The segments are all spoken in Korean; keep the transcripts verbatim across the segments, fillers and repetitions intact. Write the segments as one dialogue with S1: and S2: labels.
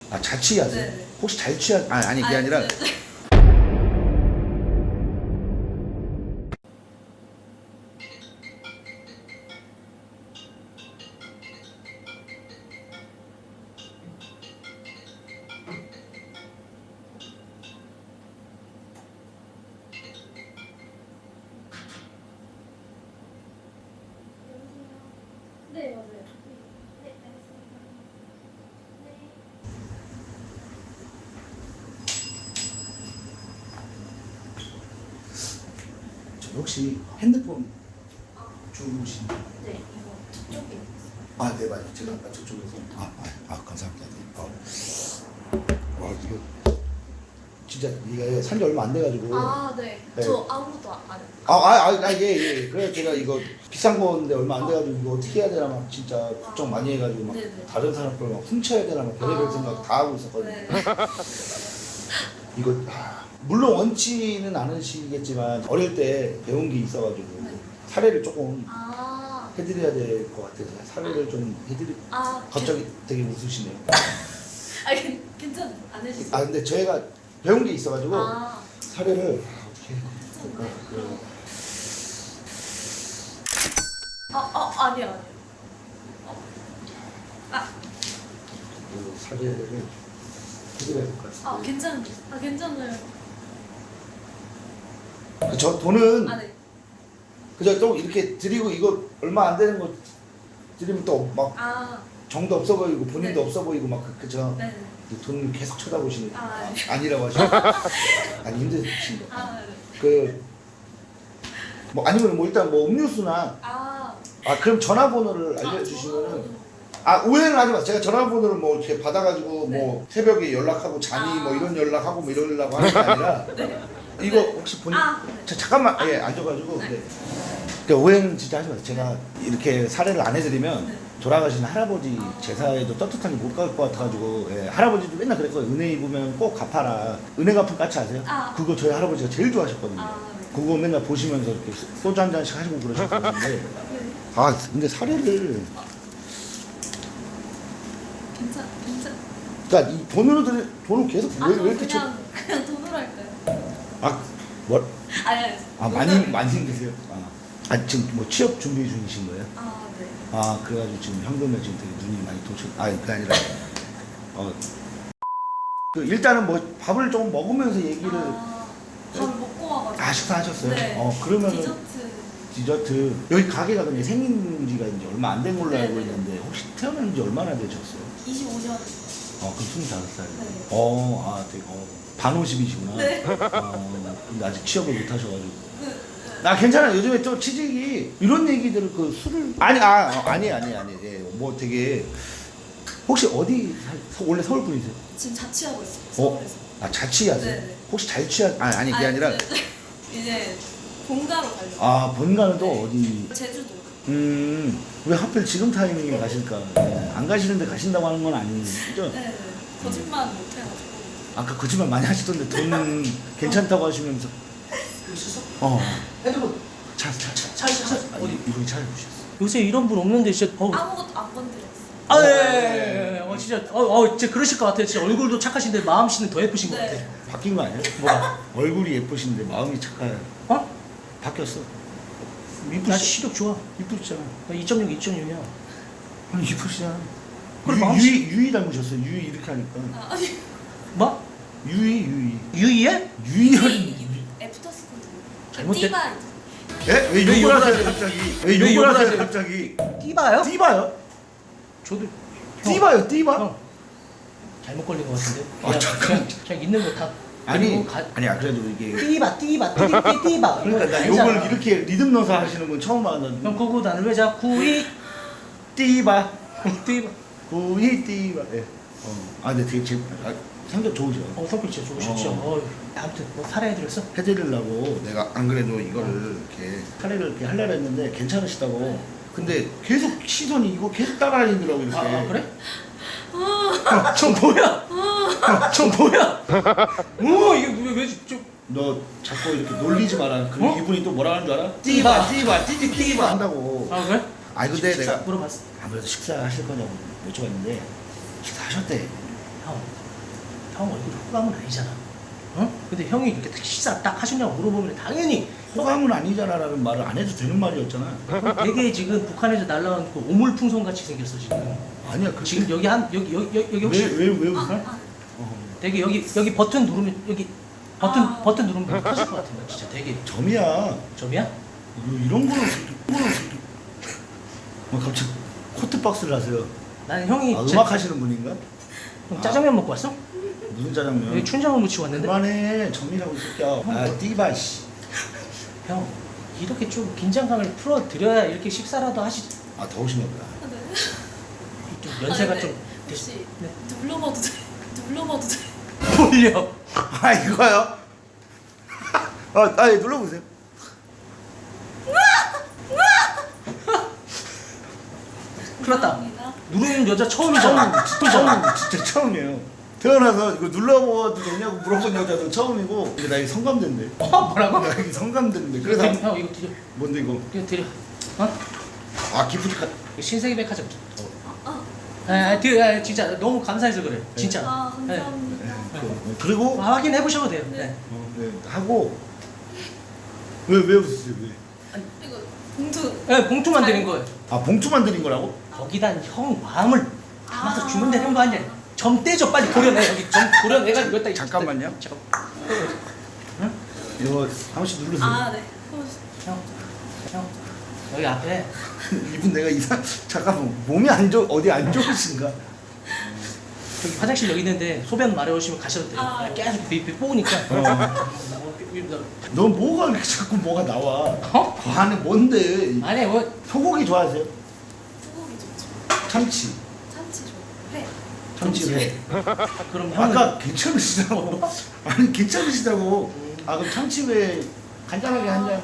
S1: 아, 잘 취하세요?
S2: 네네.
S1: 혹시 잘 취하 아니 아니 그게
S2: 아니,
S1: 아니라
S2: 네네.
S3: 네, 맞아요. 네, 알겠습니다. 네.
S1: 저 혹시 핸드폰 주무신
S3: 네, 이거 저쪽에 있어요.
S1: 아, 네, 맞아요. 제가 아까 저쪽에서 아, 아, 아 감사합니다. 네. 아, 와, 이거 진짜 이게 산지 얼마 안 돼가지고
S2: 아, 네.
S1: 네.
S2: 저 아무것도 안 해요.
S1: 아, 아, 아, 아, 예, 예. 그래서 제가 이거 비싼 건데 얼마 안 돼가지고 이거 어떻게 해야 되나 막 진짜 걱정 많이 해가지고 막
S2: 네네.
S1: 다른 사람 걸 막 훔쳐야 되나 막 별의별
S2: 아.
S1: 생각 다 하고 있었거든요.
S2: 네.
S1: 이거 아, 물론 원치는 않으시겠지만 어릴 때 배운 게 있어가지고
S2: 네.
S1: 사례를 조금
S2: 아,
S1: 해드려야 될 것 같아서 사례를 좀 해드리.
S2: 아,
S1: 갑자기 되게 웃으시네요.
S2: 아, 괜- 괜찮 안 해주세요.
S1: 아 근데 저희가 배운 게 있어가지고
S2: 아,
S1: 사례를 아, 어떻게 해야
S2: 괜찮네.
S1: 될까?
S2: 아, 아, 아니요, 아니요. 어. 아,
S1: 그 사례를 해드려야 될 것 같습니다.
S2: 아, 괜찮, 아, 괜찮아요.
S1: 그 저 돈은
S2: 아, 네.
S1: 그저 또 이렇게 드리고 이거 얼마 안 되는 거 드리면 또 막
S2: 아,
S1: 정도 없어 보이고 본인도
S2: 네.
S1: 없어 보이고 막 그- 그죠?
S2: 네.
S1: 돈 계속 쳐다보시는
S2: 아, 네.
S1: 아니라고 하시고 아니 힘드신 거.
S2: 아, 네.
S1: 그 뭐 아니면 뭐 일단 뭐 음료수나
S2: 아,
S1: 아 그럼 전화번호를
S2: 아,
S1: 알려주시면은
S2: 저도-
S1: 아 오해는 하지 마세요. 제가 전화번호를 뭐 이렇게 받아가지고
S2: 네.
S1: 뭐 새벽에 연락하고 자니
S2: 아.
S1: 뭐 이런 연락하고 뭐 이러려고 하는 게 아니라
S2: 네.
S1: 이거 혹시 본인
S2: 아, 네.
S1: 자, 잠깐만 예 앉아가지고
S2: 네.
S1: 네. 그러니까 오해는 진짜 하지 마세요. 제가 이렇게 사례를 안 해드리면
S2: 네.
S1: 돌아가신 할아버지
S2: 아.
S1: 제사에도 떳떳하게 못 갈 것 같아가지고 예, 할아버지도 맨날 그랬거든요. 은혜 입으면 꼭 갚아라. 은혜 갚은 까치 아세요?
S2: 아.
S1: 그거 저희 할아버지가 제일 좋아하셨거든요.
S2: 아, 네.
S1: 그거 맨날 보시면서 이렇게 소주 한 잔씩 하시고 그러셨는데
S2: 네.
S1: 아 근데 사례를
S2: 괜찮, 괜찮.
S1: 그러니까 이 돈으로 드리 돈을 계속
S2: 아,
S1: 왜,
S2: 저
S1: 왜 이렇게
S2: 그냥, 그냥 돈으로 할까요?
S1: 쳐아뭘
S2: 아니, 아니.
S1: 아 많이 많이 힘드세요? 아, 아 지금 뭐 취업 준비 중이신 거예요?
S2: 아, 네.
S1: 아 그래가지고 지금 현금에 지금 되게 눈이 많이 도쳐 아 그게 아니라 어 그 일단은 뭐 밥을 좀 먹으면서 얘기를
S2: 아, 밥을 먹고 와가지고.
S1: 아 식사하셨어요?
S2: 네.
S1: 어 그러면은
S2: 디저트.
S1: 디저트 여기 가게가 근데 생긴 지가 이제 얼마 안 된 걸로
S2: 네,
S1: 알고
S2: 네.
S1: 있는데 혹시 태어난 지 얼마나 되셨어요?
S2: 이십오 년.
S1: 어 그럼 스물다섯 살.
S2: 네.
S1: 어, 아 되게 어, 반오십이시구나.
S2: 네.
S1: 어, 근데 아직 취업을 못 하셔가지고.
S2: 네.
S1: 나 괜찮아. 요즘에 또 취직이 이런 얘기들을 그 술을 아니 아 어, 아니 아니 아니 예, 뭐 되게 혹시 어디 살, 서- 원래 서울 분이세요?
S2: 지금 자취하고 있어요.
S1: 어?
S2: 서울에서.
S1: 아 자취하세요?
S2: 네네.
S1: 혹시 잘 취하 아니 아니 그게 아니라
S2: 네, 네. 이제 본가로 가려고.
S1: 아 본가는 또
S2: 네.
S1: 어디?
S2: 제주도.
S1: 음왜 하필 지금 타이밍에 가실까? 네, 안 가시는데 가신다고 하는 건 아니죠?
S2: 네. 네. 거짓말 못 해가지고.
S1: 아까 거짓말 많이 하시던데 돈 괜찮다고 하시면서 어
S4: 핸드폰
S1: 차, 차, 차,
S4: 차, 차, 차.
S1: 어디 이분이 차를 보셨어.
S4: 요새 이런 분 없는데 진짜 어.
S2: 아무것도 안 건드렸어.
S4: 아, 예, 예, 예, 예. 어, 진짜 어, 어, 진짜 그러실 것 같아요. 진짜 얼굴도 착하신데 마음씨는 더 예쁘신 것
S2: 네.
S4: 같아요.
S1: 바뀐 거 아니야?
S4: 뭐가?
S1: 얼굴이 예쁘신데 마음이 착해.
S4: 어?
S1: 바뀌었어.
S4: 나
S1: 이쁘시,
S4: 시력 좋아.
S1: 이쁘시잖아.
S4: 나 이 점 육, 이 점 육이야.
S1: 아니 이쁘시잖아.
S4: 그래,
S1: 유,
S4: 마음씨-
S1: 유이 유이 닮으셨어. 유이 이렇게 하니까.
S2: 아, 아니.
S4: 뭐?
S1: 유이 유이
S4: 유이에?
S1: 유이열이.
S2: 애프터 스쿨.
S4: 잘못된-
S2: 띠바.
S1: 예? 왜
S4: 왜
S1: 욕을
S4: 욕을
S1: 하세요
S4: 하세요?
S1: 갑자기?
S4: 왜
S1: 왜 욕을
S4: 욕을
S1: 하세요
S4: 하세요?
S1: 갑자기?
S4: 띠바요?
S1: 띠바요?
S4: 저도
S1: 띠바요 띠바?
S4: 형 잘못 걸린 것 같은데.
S1: 아,
S4: 그냥,
S1: 잠깐.
S4: 그냥, 그냥 있는 거 다.
S1: 아니
S4: 가,
S1: 아니야 그래도 이게
S4: 띠바 띠바 띠띠 띠바.
S1: 그러니까 나 욕을 이렇게 리듬 넣어서 하시는 건 처음
S4: 형
S1: 봤는데.
S4: 그거 나는 왜 자꾸 이
S1: 띠바
S4: 띠바.
S1: 구이 띠바. 예. 어. 아 근데 되게 제 아, 성격 좋으죠.
S4: 어 성격 진짜 좋으시죠.
S1: 어.
S4: 어. 아무튼 뭐 살해해드렸어?
S1: 해드리려고 내가 안 그래도 이거를 이렇게 사례를 이렇게 하려고 했는데 괜찮으시다고. 근데 계속 시선이 이거 계속 따라다니더라고 이렇게.
S4: 아, 아 그래? 저 뭐야? 저 뭐야? 오 이게 왜, 왜 좀.
S1: 너 자꾸 이렇게 놀리지 마라. 그럼
S4: 어?
S1: 이분이 또 뭐라 하는 줄 알아?
S4: 띠바.
S1: 띠바 띠띠 띠바 한다고.
S4: 아 그래?
S1: 아니 근데
S4: 식사
S1: 내가
S4: 물어봤어.
S1: 아무래도 식사하실 거냐고 여쭤봤는데 식사하셨대.
S4: 형 형 얼굴이 호감은 아니잖아. 어? 근데 형이 이렇게 식사 딱 하셨냐고 물어보면 당연히
S1: 호감은 아니잖아라는 말을 안 해도 되는 말이었잖아.
S4: 되게 지금 북한에서 날라온 그 오물풍선 같이 생겼어 지금.
S1: 아니야 그
S4: 지금 여기 한 여기 여기 여기, 여기 혹시
S1: 왜왜 왜 웃어?
S2: 아,
S4: 되게 여기 여기 버튼 누르면 여기 버튼
S2: 아.
S4: 버튼 누르면 터질 것 같은 거 진짜 되게
S1: 점이야.
S4: 점이야?
S1: 뭐 이런 거는 이런 거는 뭐 갑자기 코트 박스를 하세요.
S4: 나는 형이
S1: 아,
S4: 제-
S1: 음악 하시는 분인가?
S4: 형 짜장면 먹고 왔어?
S1: 무슨 짜장면?
S4: 여기 춘장을 묻히고 왔는데.
S1: 그만해 점이라고 이 새끼야. 아 띠바 씨.
S4: 형 이렇게 좀 긴장감을 풀어 드려야 이렇게 식사라도 하시.
S1: 아 더우신가 보다.
S2: 아, 네.
S4: 좀 연세가
S2: 아, 네.
S4: 좀
S2: 혹시
S4: 네.
S2: 눌러봐도 돼? 눌러봐도 돼?
S4: 돌려.
S1: 아 이거요? 아, 아 예, 눌러보세요.
S4: 큰일 났다.
S2: 감사합니다.
S4: 누르는 여자
S1: 처음
S4: 처음이잖아.
S1: 처음 진짜 처음이에요. 태어나서 이거 눌러봐도 되냐고 물어본 여자도 처음이고 이게 나 이게 성감된대.
S4: 어 뭐라고?
S1: 나 이게 성감된대. 그래서
S4: 형 이거 드려.
S1: 뭔데 이거?
S4: 이거 드려. 어?
S1: 아 기프트 카드.
S4: 이거 신세계 백화점.
S2: 아,
S4: 아, 아, 드려. 아, 진짜 너무 감사해서 그래. 진짜.
S2: 아
S4: 네.
S2: 감사합니다.
S1: 그- 그리고
S4: 아, 확인해 보셔도 돼요.
S2: 네.
S4: 네.
S1: 어, 네, 하고 왜 왜 웃으세요? 왜?
S2: 이거 봉투.
S4: 네, 봉투만 드린 거예요.
S1: 아 봉투만 드린 거라고?
S4: 거기다 형 마음을 담아서
S2: 아.
S4: 주면 되는 거 아니야? 점 떼줘 빨리 도려내 여기 점 도려내가지고 여기다
S1: 잠깐만요.
S4: 잠깐.
S1: 이거 한 번씩 누르세요.
S2: 아 네.
S4: 형, 형 여기 앞에
S1: 이분 내가 이상 잠깐만 몸이 안 좋 어디 안 좋으신가?
S4: 여기 화장실 여기 있는데 소변 마려우시면 가셔도 돼요.
S2: 아.
S4: 계속 비 뽑으니까.
S1: 너 뭐가 이렇게 자꾸 뭐가 나와?
S4: 어?
S1: 그 안에 뭔데?
S4: 아니 뭐
S1: 소고기 좋아하세요?
S2: 소고기 좋죠.
S1: 참치.
S2: 참치 좋아. 회.
S1: 참치 회.
S4: 그럼 형은
S1: 아까 괜찮으시다고. 아니 괜찮으시다고. 아 그럼 참치회 간단하게 한 잔.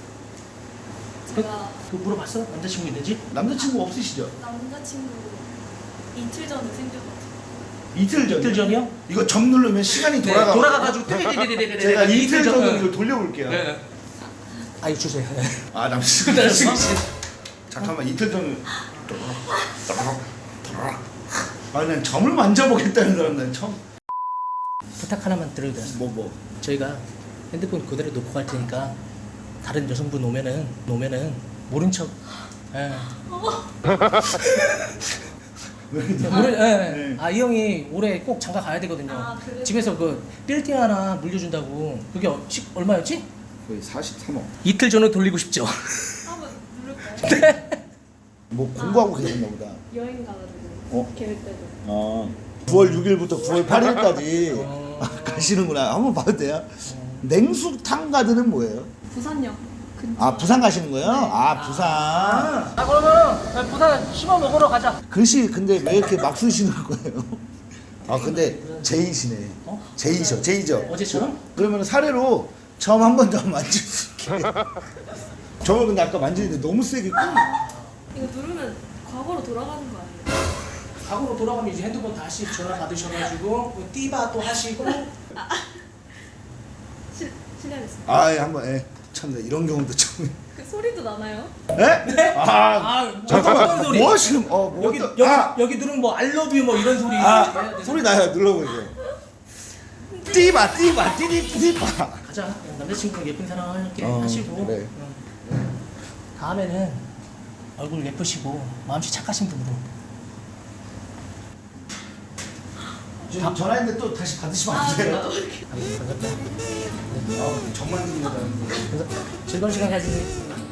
S2: 제가
S4: 그 물어봤어? 남자친구 있는지?
S1: 남자친구 없으시죠?
S2: 남자친구 이틀 전에 생겨가지고.
S1: 이틀 전.
S4: 이틀 전이요?
S1: 이거 점 누르면 시간이
S4: 네,
S1: 돌아가.
S4: 돌아가가지고 띠리리리리리리
S1: 제가 이틀
S4: 전-
S1: 전으로
S4: 네.
S1: 이걸 돌려볼게요.
S4: 네. 아 이거 주세요.
S1: 아 남자친구.
S4: 남자친구
S1: 잠깐만 이틀 전에. 아난 점을 만져보겠다는 사람 난 처음.
S4: 부탁 하나만 드려도 돼요?
S1: 뭐 뭐.
S4: 저희가 핸드폰 그대로 놓고 갈 테니까 다른 여성분 오면은 오면은 모른 척. 예.
S1: 왜
S4: 모르, 예.
S1: 네.
S4: 아, 이 형이 올해 꼭 장가 가야 되거든요.
S2: 아, 그래요?
S4: 집에서 그 빌딩 하나 물려준다고. 그게 어- 시, 얼마였지?
S1: 거의 사십삼억.
S4: 이틀 전에 돌리고 싶죠.
S2: 한번 누를까요?
S1: 뭐 공부하고 계셨나 보다.
S2: 여행 가가지고
S1: 어?
S2: 계획대로.
S1: 어. 구월 육일부터 구월 팔일까지
S4: 어.
S1: 가시는구나. 한번 봐도 돼요? 냉수탕 가드는 뭐예요?
S2: 부산역 근처.
S1: 아 부산 가시는 거예요?
S2: 네.
S1: 아 부산.
S4: 아, 그러면 부산 씹어 먹으러 가자.
S1: 글씨 근데 왜 이렇게 막 쓰시는 거예요? 아 근데 제이시네.
S4: 어?
S1: 제이죠, 제이죠.
S4: 어제처럼?
S1: 그러면 사례로 처음 한 번 더 만질 수 있게. 저는 근데 아까 만지는데 너무 세게.
S2: 이거 누르면 과거로 돌아가는 거 아니에요?
S4: 과거로 돌아가면 이제 핸드폰 다시 전화 받으셔가지고 띠바 또 하시고.
S2: 실 실례했습니다.
S1: 아, 예, 한번 예. 참나 이런 경우도 처음.
S2: 그 소리도 나나요?
S1: 예? 아,
S4: 아, 어떤
S1: 잠깐만.
S4: 소리?
S1: 뭐 하시는? 어, 뭐
S4: 여기
S1: 어떤-
S4: 여기
S1: 아,
S4: 여기 누르면 뭐 알러뷰 뭐 이런 소리.
S1: 아,
S4: 해야 돼.
S1: 소리 나요. 눌러보세요. 띠바, 띠바, 띠디, 띠바.
S4: 가자. 남자친구랑 예쁜 사람 이렇게
S1: 어,
S4: 하시고.
S1: 그래.
S4: 응. 다음에는 얼굴 예쁘시고 마음씨 착하신 분으로.
S1: 지금 전화했는데 또 다시 받으시면 안 돼요. 아, 정말 힘들다.
S4: 즐거운 시간 가지세요.